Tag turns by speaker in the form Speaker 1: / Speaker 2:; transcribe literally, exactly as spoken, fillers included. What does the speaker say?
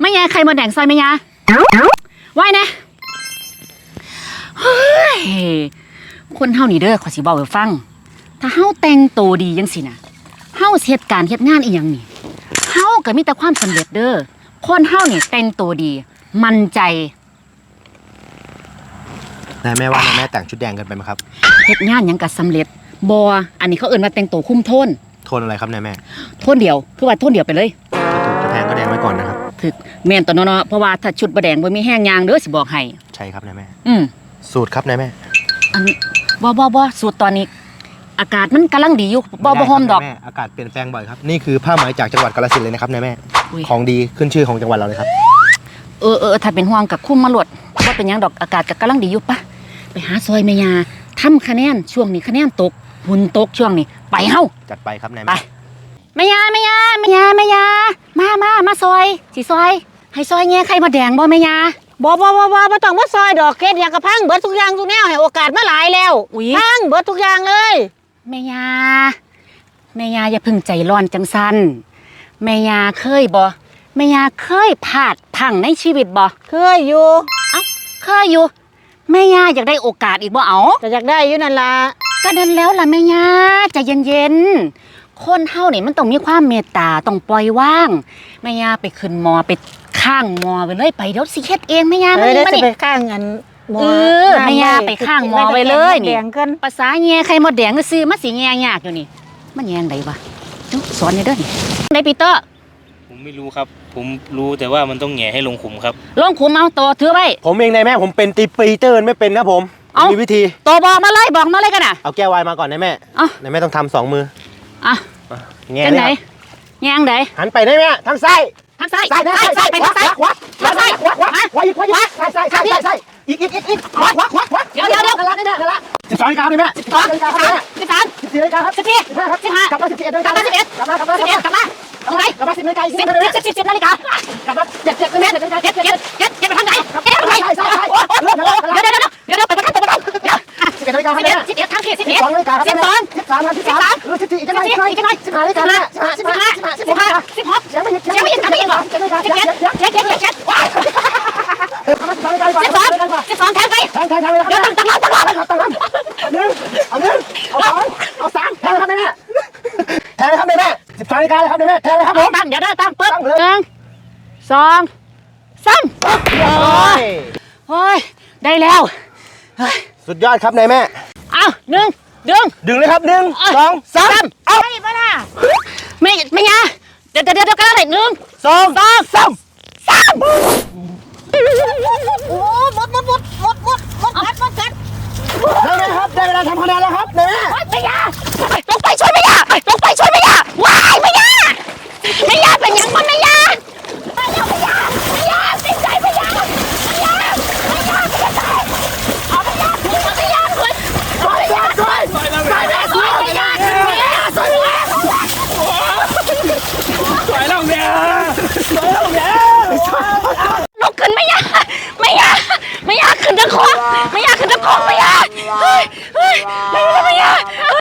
Speaker 1: ไม่แย่ใครมาแดงซอยไม่ยาไหวนะเฮ้ยคนเฮานี่เด้อขอสิบอกให้ฟังถ้าเฮาแต่งตัวดีจังสินะเฮาเฮ็ดการเฮ็ดงานอีหยังนี่เฮาก็มีแต่ความสำเร็จเด้อคนเฮานี่แต่งตัวดีมั่นใจ
Speaker 2: นายแม่ว่านายแม่แต่งชุดแดงกันไปไหมครับ
Speaker 1: เฮ็ดงานหยังก็สำเร็จบ่อันนี้เขาเอิ้นว่าแต่งตัวคุ้มโทน
Speaker 2: โทนอะไรครับนายแม่
Speaker 1: โทนเดียวคือว่าโทนเดียวไปเลย
Speaker 2: ถ้าถูกจะแพงก็แดงไว้ก่อนนะครับ
Speaker 1: ถึกแม่นตัวเนาะเพราะว่าถ้าชุดบ่แดงบ่มีแห้งยางเด้อสิบอกให้
Speaker 2: ใช่ครับนายแม่
Speaker 1: อืม
Speaker 2: สูตรครับนายแม่
Speaker 1: อันบ่บ่บ่สูตรตอนนี้อากาศมันกำลังดีอยู่บ่บ่ฮ้อมดอก
Speaker 2: อากาศเปลี่ยนแปลงบ่อยครับนี่คือผ้าไหมจากจังหวัดกาฬสินธุ์เลยนะครับนายแม่ของดีขึ้นชื่อของจังหวัดเราเลยครับ
Speaker 1: เออเออถ้าเป็นห่วงกับคุ้มมาหลดว่าเป็นยังดอกอากาศก็กำลังดีอยู่ปะไปหาซอยแม่ยาทำคะแนนช่วงนี้คะแนนตกหุ่นตกช่วงนี้ไปเฮ้า
Speaker 2: จัดไปครับนาย
Speaker 1: ไปแม่ยาแม่ยาแม่ยาแม่ยามามามาซอยสิซอยให้ซอยแง่ไข่มาแดงบ่แม่ยา
Speaker 3: บ่บ่บ่บ่บ่ต้องมาซอยดอกเกดอย่างกระพังเบิดทุกอย่างทุกแนวให้โอกาสมาหลายแล้วพังเบิดทุกอย่างเลย
Speaker 1: แม่ยาแม่ยาอย่าพึ่งใจร้อนจังสันแม่ยาเคยบ่แม่ยาเคยพลาดพังในชีวิตบ่
Speaker 3: เคยอยู่
Speaker 1: เอ้าเคยอยู่แม่ยาอยากได้โอกาสอีกบ่เอา
Speaker 3: แต่อยากได้อยู่นั่นล่ะ
Speaker 1: ก็นั่นแล้วล่ะแม่ยาใจเย็นๆคนเฮานี่มันต้องมีความเมตตาต้องปล่อยว่างแม่ยาไปขึ้นมอไปข้างมอไปเลยไปเดี๋ยวสิเฮ็ดเองแม่ยา
Speaker 3: มานี่มานี่ไปข้างอัน
Speaker 1: มอเออแม่ยาไปข้างมอไปเลยนี่ภาษาแง่ไข่มดแดงก็ซื้อมาสิแง่ยากอยู่นี่มันแง่งไดวะสอนนี่เด้อนี่ไดปีเตอร์
Speaker 4: ผมไม่รู้ครับผมรู้แต่ว่ามันต้องแง่ให้ลงขุมครับ
Speaker 1: ลงขุมเอาตัวถือไว้
Speaker 2: ผมเองนายแม่ผมเป็นตีปีเตอร์ไม่เป็นครับผมมีวิธี
Speaker 1: ตัวบอกมาเลยบอกมาเลยกันน่ะ
Speaker 2: เอาแก้ววายมาก่อนนายแม่นายแม่ต้องทำสองมือ
Speaker 1: อ่ะ
Speaker 2: แง่เลย
Speaker 1: แง่งได
Speaker 2: หันไปได้แม่ทางซ้าย
Speaker 1: ทางซ้ายซ้ายซ้ายไปทางซ้ายขวาทางซ้ายขวาขวา
Speaker 2: ขวาอีกขวาอีกซ้ายซ้ายซ้ายซ้ายอีกอีกอีกอีกขวาขวาขวาขวา
Speaker 1: เดี๋ยวเดี๋ยวเดี๋ยว
Speaker 2: กันละนี่แม่กันละสิบสองนาฬิกาเลยแม่สิบสองนาฬิกาครับ
Speaker 1: สิบสาม
Speaker 2: สิบสี่นาฬิกาครับ
Speaker 1: สิบสี่สิบห้าครับ
Speaker 2: สิบห้ากลับมาสิบเอ็ดนาฬิกากลับมาสิบเอ็ดกลับมากลับมาสิบเอ็ดกลับมา
Speaker 1: ตรงไหน
Speaker 2: กลับมาสิบนาฬิกาสิบ
Speaker 1: สิบสิบสิบนาฬิกากลับมาเจ็ดเจ็ดนาฬิกาเจ็ดเจ็ดเจ็ดเจ็ดเจ็ดไปทางไหนเจ็ดไปทางไหนเดี๋ยวเดี๋ยวเดี๋ยวเดี๋ยวไปประกันตัวประกันเดี๋ยว
Speaker 2: สิบเอ็ดนาฬิกา
Speaker 1: สิบเอ็ดสิบเอ็ดทางเขตสิบเอ็ด
Speaker 2: สองนาฬิกา
Speaker 1: สิบสอง
Speaker 2: สิบสามสิบสามสิบสี่อีกจังหน่อยอีกจังหน่อยสิบห้านาฬิกาสิบห้าสิบห้าสิบห้าสิบห้า
Speaker 1: สิบหกยังไม่ยังไม่ยังไม่ยังหรอสิบเจ็ดเจ็ดเจ็ดเจ็ดเจ็ดว้าสิบสองสิบสองแทงไป
Speaker 2: แทงแทงแทงเลยครับ
Speaker 1: เดี๋ยวตั้งตั้งตั้งตั้ง
Speaker 2: ตั้งตั้งหนึ่งเอาหนึ่งเอาสองเอาสามแทงเลยครับแม่แทงเลยครับแม่สิบสองนาฬิกาเลยครับแม่แทงเลยครับผม
Speaker 1: ตั้งเดี๋ยวได้ตั้งปึ๊บหนึ่งสองสามโอ้ยได้แล้ว
Speaker 2: สุดยอดครับนายแม่
Speaker 1: เอาหนึ่งดึง
Speaker 2: ดึงเลยครับหนึ่งสองสาม
Speaker 1: เอาไปมาล่ะไม่ไม่ยาเดี๋ยวเดี๋ยวเดี๋ยวกันอะไรหนึ่ง
Speaker 2: สอง
Speaker 1: สอง
Speaker 2: สาม
Speaker 1: สาม
Speaker 3: โอ้หมดหมดหมดหมดหมดหมดกัดหมดกัด
Speaker 2: ได้ไหมครับได้เวลาทำคะแนนแล้วครับนายแม่
Speaker 1: ไม่ยาลงไปช่วยไม่ยาลงไปช่วยไม่ยาว้ายไม่ยาไม่ยาเป็นยังมันไม่ยาไม่ยาไม่ยาไม่ยาติดใจไม่ยาไม่ยาไม่ยาไม่ยาเอาไม่ยาไม่ยาเลยไม่ยาด้วยไม่ยาด้วยไม่ยาไม่ยาช่วยไม่ยา
Speaker 4: สวยแล้วเนี่ยสวยแล้วเนี่ย
Speaker 1: ลุกขึ้นไม่ยาไม่ยาไม่ยาขึ้นตะคอกไม่ยาขึ้นตะคอกไม่ยาเฮ้ยเฮ้ยไม่ยาไม่ยา